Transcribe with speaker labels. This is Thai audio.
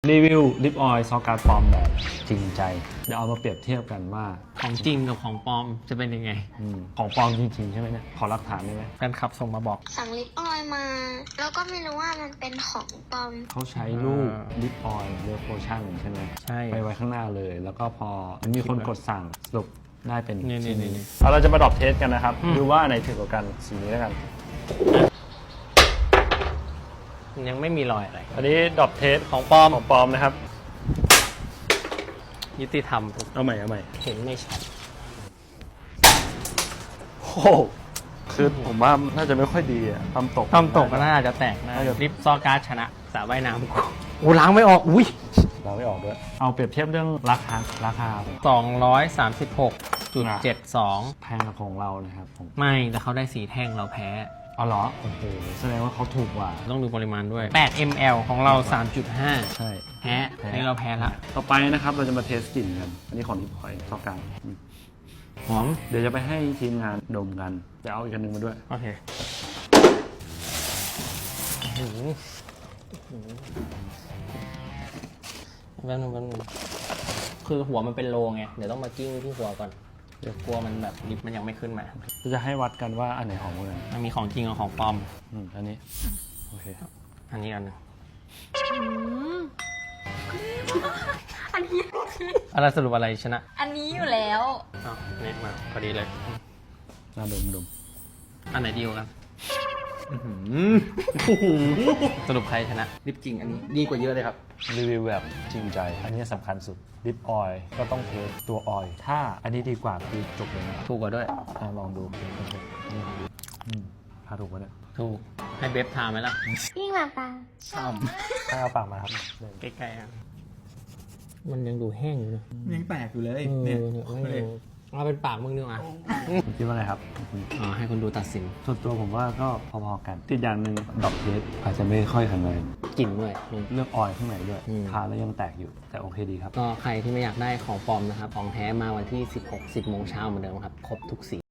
Speaker 1: รีวิวลิปออยล์ซอการ์ดปลอมแบบจริงใจเดี๋ยวเอามาเปรียบเทียบกันว่า
Speaker 2: ของจริงกับของปลอมจะเป็นยังไง
Speaker 1: ของปลอมจริงๆใช่ไหมเนี่ยขอหลักฐานได้ไหม
Speaker 2: แฟนคลับส่งมาบอก
Speaker 3: สั่งลิปออยล์มา แล้วก็ไม่รู้ว่ามันเป็นของปลอม
Speaker 1: เขาใช้รูปลิปออยล์เวอร์โพชั่นใช่ไหม
Speaker 2: ใช่
Speaker 1: ไปไว้ข้างหน้าเลย แล้วก็พอมีคนกดสั่งสรุปได้เป็น
Speaker 2: นี่
Speaker 1: ชิ้นนี้เราจะมาดรอปเทสกันนะครับดูว่าไหนถึงกว่ากันสีนี้แล้วกัน
Speaker 2: ยังไม่มีรอยอะไร
Speaker 1: อันนี้ดรอปเทส
Speaker 2: ของปลอม
Speaker 1: ของปลอมนะครับ
Speaker 2: ยุติธรรมทุก
Speaker 1: เอาใหม่เอาใหม่
Speaker 2: เห็นไม่ชัด
Speaker 1: โอ้โหคือผมว่าน่าจะไม่ค่อยดีอะทำตก
Speaker 2: ทำตกก็น่าจะแตกนะ
Speaker 1: น่าจะ
Speaker 2: ลิปซอการ์ดชนะสระว่ายน้ำกูโอ้ล้างไม่ออก อุ้ย
Speaker 1: เราไม่ออกด้วยเอาเปรียบเทียบเรื่องราคา
Speaker 2: 236.72
Speaker 1: แพงกับของเรานะครับผม
Speaker 2: ไม่แต่เขาได้สีแท่งเราแพ้
Speaker 1: อ๋อเหรอโอ้โหแสดงว่าเขาถูกกว่า
Speaker 2: ต้องดูปริมาณด้วย 8 ml ของเรา 3.5
Speaker 1: ใช่
Speaker 2: แพ้อันนี้เราแพ้ละ
Speaker 1: ต่อไปนะครับเราจะมาเทสกลิ่นกัน อันนี้ของลิปออยล์ซอการ์ด
Speaker 2: หอม
Speaker 1: เดี๋ยวจะไปให้ทีมงานดมกันจะเอาอีกอันหนึงมาด้วย
Speaker 2: โอเคแป๊บนึงคือหัวมันเป็นโลไง เดี๋ยวต้องมากิ้งที่หัวก่อน เดี๋ยวกลัวมันแบบลิปมันยังไม่ขึ้นมา
Speaker 1: จะให้วัดกันว่าอันไหนหอมกว่ากัน
Speaker 2: มันมีของจริงกับของปลอม
Speaker 1: อันนี้โอเค
Speaker 2: อันนี้อันหนึง
Speaker 3: อันนี้
Speaker 2: อะไรสรุปอะไรชนะ
Speaker 3: อันนี้อยู่แล้ว
Speaker 2: อ้าวนี่มาพอดีเลย
Speaker 1: น่าดม
Speaker 2: อันไหนดีกว่ากันสรุปใครชนะ ลิปจริงอันนี้ดีกว่าเยอะเลยครับ
Speaker 1: รีวิวแบบจริงใจ อันนี้สำคัญสุดลิปออยล์ก็ต้องเทสตัวออยล์ถ้าอันนี้ดีกว่าคือจบเลยนะ
Speaker 2: ถูกกว่าด้วย
Speaker 1: ลองดูโอเคนี่ถ้าถูกปะเนี่ย
Speaker 2: ถูก ให้เบฟทาไหมล่ะ
Speaker 3: พี่มาปะ
Speaker 1: ถ้าเอาปากมาครับ
Speaker 2: ใกล้ๆอ่ะมันยังดูแห้งอยู่นะ
Speaker 4: ยังแตกอยู่เลย
Speaker 2: เนี่
Speaker 4: เนี่ย ย
Speaker 2: เอาเป็นปากมึงดีกว่า
Speaker 1: คิดว่าไงครับ
Speaker 2: อ๋อให้คนดูตัดสิน
Speaker 1: ส่วนตัวผมว่าก็พอๆกันติดอย่างหนึ่งดอกเทสอาจจะไม่ค่อยแข็งแรง
Speaker 2: กลิ่นด้วย
Speaker 1: เรื่องออยล์ข้างในด้วย
Speaker 2: อืม
Speaker 1: ทานแล้วยังแตกอยู่แต่โอเคดีครับ
Speaker 2: ก็ใครที่ไม่อยากได้ของปลอมนะครับ ของแท้มาวันที่ 16 10 โมงเช้าเหมือนเดิมครับ ครบทุกสี